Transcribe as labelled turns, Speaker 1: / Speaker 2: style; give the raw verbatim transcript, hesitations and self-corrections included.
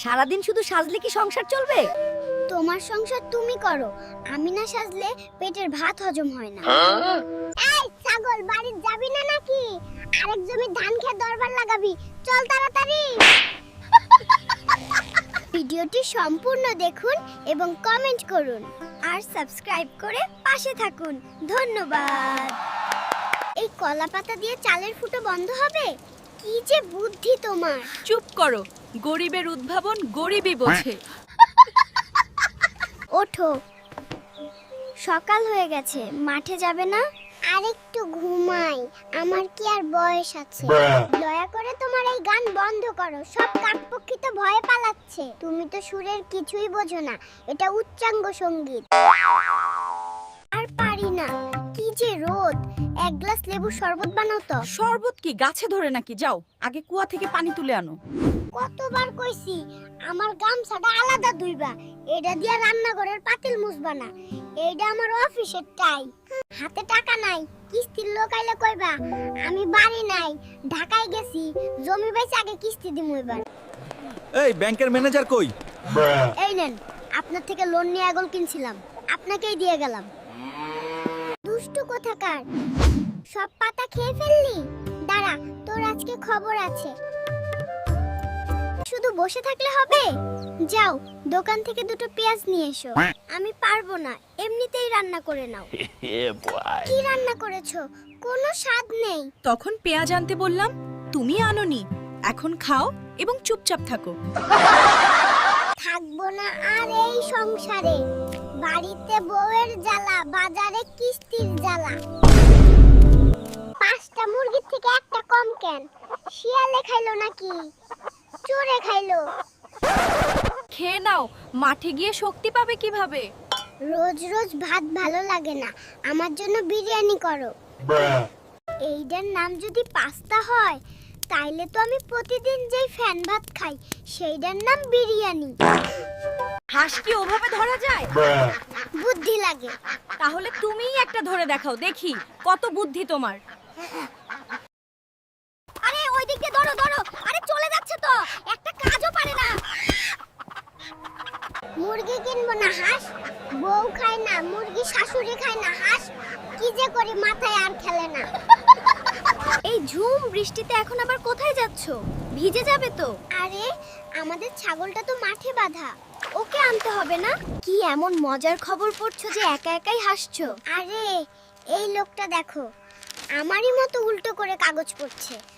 Speaker 1: সারাদিন শুধু সাজলে কি সংসার চলবে?
Speaker 2: তোমার সংসার তুমি করো, আমি না সাজলে পেটের ভাত হজম হয় না। এই ছাগল, বাড়ি যাবি না নাকি? আরেক জমি ধান খেয়ে দরবার লাগাবি, চল তাড়াতাড়ি। ভিডিওটি সম্পূর্ণ দেখুন এবং কমেন্ট করুন আর সাবস্ক্রাইব করে পাশে থাকুন। ধন্যবাদ। এই কলা পাতা দিয়ে চালের ফুটো বন্ধ হবে? কি যে বুদ্ধি তোমার!
Speaker 1: চুপ করো, গরিবের উদ্ভাবন গরিবই বোঝে।
Speaker 2: ওঠো, সকাল হয়ে গেছে, মাঠে যাবে না? আরেকটু ঘুমাই, আমার কি আর বয়স আছে? দয়া করে তোমার এই গান বন্ধ করো, সব কাকপক্ষী তো ভয়ে পালাচ্ছে। তুমি তো সুরের কিছুই বোঝো না, এটা উচ্চাঙ্গ সঙ্গীত। আর পারি না, কি যে রোদ! এক গ্লাস লেবু শরবত বানাও তো।
Speaker 1: শরবত কি গাছে ধরে নাকি? যাও আগে কুয়া থেকে পানি তুলে আনো।
Speaker 2: কতবার কইছি আমার গামছাটা আলাদা ধুইবা, এটা দিয়া রান্নাঘরের পাতিল মুছবা না। এইটা আমার অফিসের টাই। হাতে টাকা নাই, কিস্তির লোক আইলে কইবা আমি বাড়ি নাই, ঢাকায় গেছি, জমি বেচে আগে কিস্তি দিমু এবার।
Speaker 3: এই ব্যাংকের ম্যানেজার কই?
Speaker 2: এই নেন, আপনার থেকে লোন নিয়ে আগল কিনছিলাম, আপনাকেই দিয়ে গেলাম। দুষ্টু কোথাকার, সব পাতা খেয়ে ফেললি? দাঁড়া, তোর আজকে খবর আছে। শুধু বসে থাকলে হবে? যাও দোকান থেকে দুটো পেঁয়াজ নিয়ে এসো। আমি পারবো না, এমনিতেই রান্না করে নাও। কি রান্না করেছো? কোনো স্বাদ নেই।
Speaker 1: তখন পেঁয়াজ আনতে বললাম, তুমি আনোনি। এখন খাও এবং চুপচাপ থাকো।
Speaker 2: থাকবো না আর এই সংসারে। বাড়িতে বউয়ের জ্বালা, বাজারে কিস্তির জ্বালা। পাঁচটা মুরগির থেকে একটা কম কেন? শিয়ালে খাইলো নাকি চোরে খাইলো?
Speaker 1: খেয়ে নাও, মাঠে গিয়ে শক্তি পাবে কিভাবে?
Speaker 2: রোজ রোজ ভাত ভালো লাগে না, আমার জন্য বিরিয়ানি করো। এইটার নাম যদি পাস্তা হয়, তাইলে তো আমি প্রতিদিন যেই ফ্যান ভাত খাই সেইটার নাম বিরিয়ানি।
Speaker 1: হাঁস কি ওভাবে ধরা যায়?
Speaker 2: বুদ্ধি লাগে।
Speaker 1: তাহলে তুমিই একটা ধরে দেখাও, দেখি কত বুদ্ধি তোমার।
Speaker 2: আরে ওই দিকে ধরো ধরো, আরে চলে যাচ্ছে তো, একটা কাজও পারে না। মুরগি কিনবো না হাঁস, বউ খায় না মুরগি, শাশুড়ি খায় না হাঁস, কি যে করি মাথায় আর খেলে না।
Speaker 1: এই ঝুম বৃষ্টিতে এখন আবার কোথায় যাচ্ছো? ভিজে যাবে তো।
Speaker 2: আরে আমাদের ছাগলটা তো মাঠে বাঁধা,
Speaker 1: ওকে আনতে হবে না? কি এমন মজার খবর পড়ছো যে একা একাই হাসছো?
Speaker 2: আরে এই লোকটা দেখো, আমারই মতো উল্টো করে কাগজ পড়ছে।